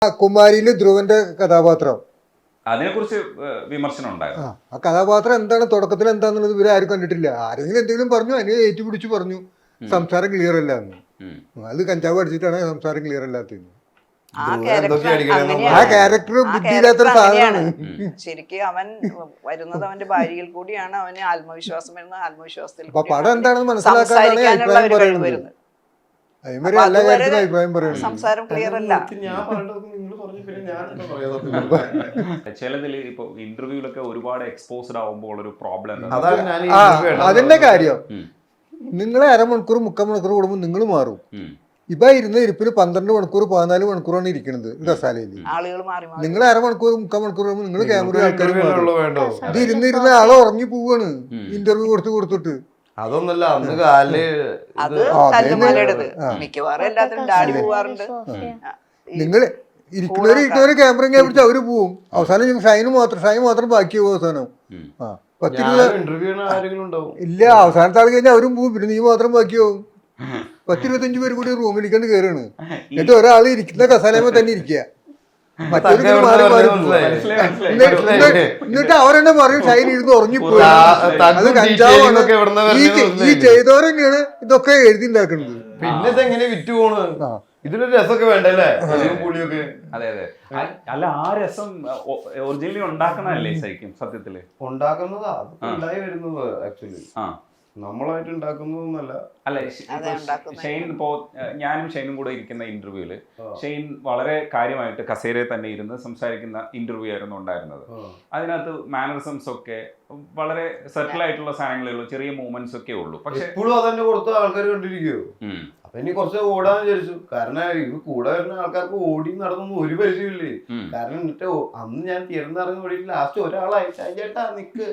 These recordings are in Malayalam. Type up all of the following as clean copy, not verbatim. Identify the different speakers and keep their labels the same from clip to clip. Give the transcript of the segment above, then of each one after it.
Speaker 1: കുമാരിയില് ധ്രുവന്റെ കഥാപാത്രം
Speaker 2: അതിനെക്കുറിച്ച് വിമർശനം ഉണ്ടായിരുന്നു.
Speaker 1: ആ കഥാപാത്രം എന്താണ് തുടക്കത്തിൽ എന്താന്നുള്ളത് ഇവരെ ആരും കണ്ടിട്ടില്ല. ആരെങ്കിലും എന്തെങ്കിലും പറഞ്ഞു, അതിനെ ഏറ്റുപിടിച്ച് പറഞ്ഞു സംസാരം ക്ലിയർ അല്ല എന്ന്. അത് കഞ്ചാവ് അടിച്ചിട്ടാണ് സംസാരം ക്ലിയർ അല്ലാത്തത്. ആ ക്യാരക്ടർ ബുദ്ധിയില്ലാത്തൊരു സാധനമാണ്.
Speaker 3: ശരിക്കും അവൻ വരുന്നത് അവന്റെ ഭാര്യയിൽ കൂടിയാണ്. അവന് ആത്മവിശ്വാസം വരുന്നത് ആത്മവിശ്വാസത്തിൽ
Speaker 1: പടം എന്താണെന്ന് മനസ്സിലാക്കാനാണ് അഭിപ്രായം പറയുന്നത്. അതേമാതിരി എല്ലാ കാര്യത്തിലും അഭിപ്രായം പറയുന്നത്.
Speaker 3: സംസാരം ക്ലിയർ അല്ല.
Speaker 2: ചിലതിൽ ഇപ്പൊ ഇന്റർവ്യൂലൊക്കെ ഒരുപാട് എക്സ്പോസ്ഡ് ആവുമ്പോൾ ഒരു പ്രോബ്ലം
Speaker 1: അതിന്റെ കാര്യം നിങ്ങളെ അരമണിക്കൂർ 3/4 മണിക്കൂർ കൂടുമ്പോൾ നിങ്ങൾ മാറും. ഇപ്പൊ ഇരുന്ന ഇരിപ്പിന് 12 മണിക്കൂർ 14 മണിക്കൂറാണ് ഇരിക്കുന്നത് കസാലയിൽ. നിങ്ങൾ അരമണിക്കൂർ 3/4 മണിക്കൂർ കൂടുമ്പോൾ നിങ്ങൾ ക്യാമറ ആൾക്കാർ ഇത് ഇരുന്നിരുന്ന ആളെ ഉറങ്ങി പോവാണ് ഇന്റർവ്യൂ കൊടുത്തിട്ട്.
Speaker 4: അതൊന്നല്ല അന്ന് കാല്
Speaker 3: മിക്കവാറും എല്ലാത്തിനും ഡാഡി പോവാറുണ്ട്.
Speaker 1: നിങ്ങൾ ഇരിക്കുന്നവര് ക്യാമറ പിടിച്ച് അവര് പോവും. അവസാനം ഷൈൻ മാത്രം ബാക്കിയാവും. അവസാനം ഇല്ല, അവസാനത്തെ ആൾ കഴിഞ്ഞാൽ അവരും പോവും. പിന്നെ നീ മാത്രം ബാക്കിയാവും. 10-25 പേര് കൂടി റൂമിലേക്കാണ്ട് കയറാണ്. എന്നിട്ട് ഒരാൾ ഇരിക്കുന്ന കസാലയമ്മ തന്നെ ഇരിക്കുക. മറ്റൊരു മാറി മാറി എന്നിട്ട് അവരെന്നെ പറയും ഷൈൻ ഇരുന്ന് ഉറങ്ങിപ്പോയി. അത് കഞ്ചാവാണ്. ഈ ചെയ്തവരെന്നെയാണ് ഇതൊക്കെ എഴുതി ഉണ്ടാക്കുന്നത്.
Speaker 4: പിന്നെ ഇതെങ്ങനെ വിറ്റ് പോണ്? ഇതിലൊരു രസമൊക്കെ വേണ്ടല്ലേ? പുളിയൊക്കെ.
Speaker 2: അതെ അതെ. അല്ല, ആ രസം ഒറിജിനലി ഉണ്ടാക്കണല്ലേ ശരിക്കും സത്യത്തില്
Speaker 4: ഉണ്ടാക്കുന്നതാ ഉണ്ടായി വരുന്നത്. ആക്ച്വലി നമ്മളായിട്ട് ഉണ്ടാക്കുന്നതൊന്നല്ല.
Speaker 2: അല്ല, ഷെയ്ൻ ഇപ്പോ ഞാനും ഷെയ്നും കൂടെ ഇരിക്കുന്ന ഇന്റർവ്യൂല് ഷെയ്ൻ വളരെ കാര്യമായിട്ട് കസേരയിൽ തന്നെ ഇരുന്ന് സംസാരിക്കുന്ന ഇന്റർവ്യൂ ആയിരുന്നു ഉണ്ടായിരുന്നത്. അതിനകത്ത് മാനറിസംസ് ഒക്കെ വളരെ സെറ്റിൽ ആയിട്ടുള്ള സാധനങ്ങളേ ഉള്ളൂ, ചെറിയ മൂവ്മെന്റ്സ് ഒക്കെ ഉള്ളൂ. പക്ഷെ
Speaker 4: ഇപ്പോഴും അതന്നെ കൊടുത്ത ആൾക്കാർ കണ്ടിരിക്കുവോ? അപ്പൊ ഇനി കുറച്ച് ഓടാന്ന് വിചാരിച്ചു. കാരണം ഇത് കൂടെ വരുന്ന ആൾക്കാർക്ക് ഓടി നടന്നൊന്നും ഒരു പരിചയമില്ലേ. കാരണം എന്നിട്ട് അന്ന് ഞാൻ തിയേറ്ററിൽ ഇറങ്ങി ഓടിയിട്ട് ലാസ്റ്റ് ഒരാളായി ചേട്ടാ നിക്ക്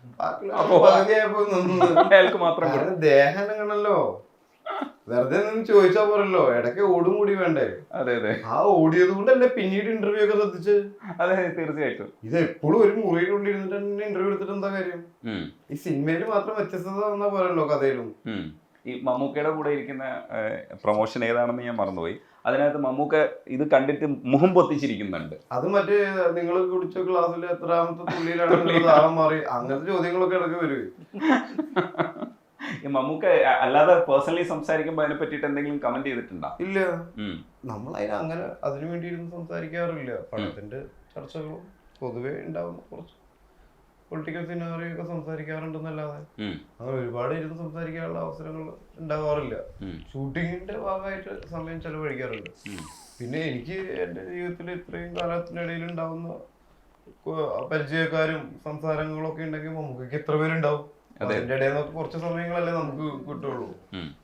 Speaker 4: ദേഹനോ വെറുതെ നിന്ന് ചോദിച്ചാ പോരല്ലോ, ഇടയ്ക്ക് ഓടും കൂടി വേണ്ടേ?
Speaker 2: അതെ അതെ.
Speaker 4: ആ ഓടിയത് കൊണ്ടല്ലേ പിന്നീട് ഇന്റർവ്യൂ ഒക്കെ ശ്രദ്ധിച്ച്.
Speaker 2: അതെ, തീർച്ചയായിട്ടും.
Speaker 4: ഇത് എപ്പോഴും ഒരു മുറിയിലുള്ളിൽ ഇരുന്നിട്ട് തന്നെ ഇന്റർവ്യൂ എടുത്തിട്ട് എന്താ കാര്യം? ഈ സിനിമയിൽ മാത്രം വ്യത്യസ്തത വന്നാ പോരല്ലോ കഥയിലും.
Speaker 2: ഈ മമ്മൂക്കയുടെ കൂടെ ഇരിക്കുന്ന പ്രൊമോഷൻ ഏതാണെന്ന് ഞാൻ മറന്നുപോയി. അതിനകത്ത് മമ്മൂക്ക ഇത് കണ്ടിട്ട് മുഖം പൊത്തിച്ചിരിക്കുന്നുണ്ട്.
Speaker 4: അത് മറ്റേ നിങ്ങൾ കുടിച്ച ക്ലാസ്സിൽ എത്രാമത്തെ തുള്ളിയിലാണ് താളം മാറി അങ്ങനത്തെ ചോദ്യങ്ങളൊക്കെ ഇടയ്ക്ക് വരും.
Speaker 2: ഈ മമ്മൂക്ക അല്ലാതെ പേഴ്സണലി സംസാരിക്കുമ്പോൾ അതിനെ പറ്റിയിട്ട് എന്തെങ്കിലും കമന്റ് ചെയ്തിട്ടുണ്ടോ?
Speaker 4: ഇല്ല, നമ്മൾ അങ്ങനെ അതിനു വേണ്ടി ഇരുന്ന് സംസാരിക്കാറില്ല. പണത്തിന്റെ ചർച്ചകളും പൊതുവെ ഉണ്ടാവുന്ന കുറച്ച് പൊളിറ്റിക്കൽ സിനാറിയൊക്കെ സംസാരിക്കാറുണ്ടെന്നല്ലാതെ അങ്ങനെ ഒരുപാട് ഇരുന്ന് സംസാരിക്കാനുള്ള അവസരങ്ങൾ ഉണ്ടാവാറില്ല. ഷൂട്ടിങ്ങിന്റെ ഭാഗമായിട്ട് സമയം ചെലവഴിക്കാറുണ്ട്. പിന്നെ എനിക്ക് എൻ്റെ ജീവിതത്തിൽ ഇത്രയും കാലത്തിനിടയിൽ ഉണ്ടാവുന്ന പരിചയക്കാരും സംസാരങ്ങളൊക്കെ ഉണ്ടെങ്കിൽ നമുക്ക് എത്ര പേരുണ്ടാവും? അതിന്റെ ഇടയിൽ നിന്നൊക്കെ കുറച്ച് സമയങ്ങളല്ലേ നമുക്ക് കിട്ടുള്ളൂ.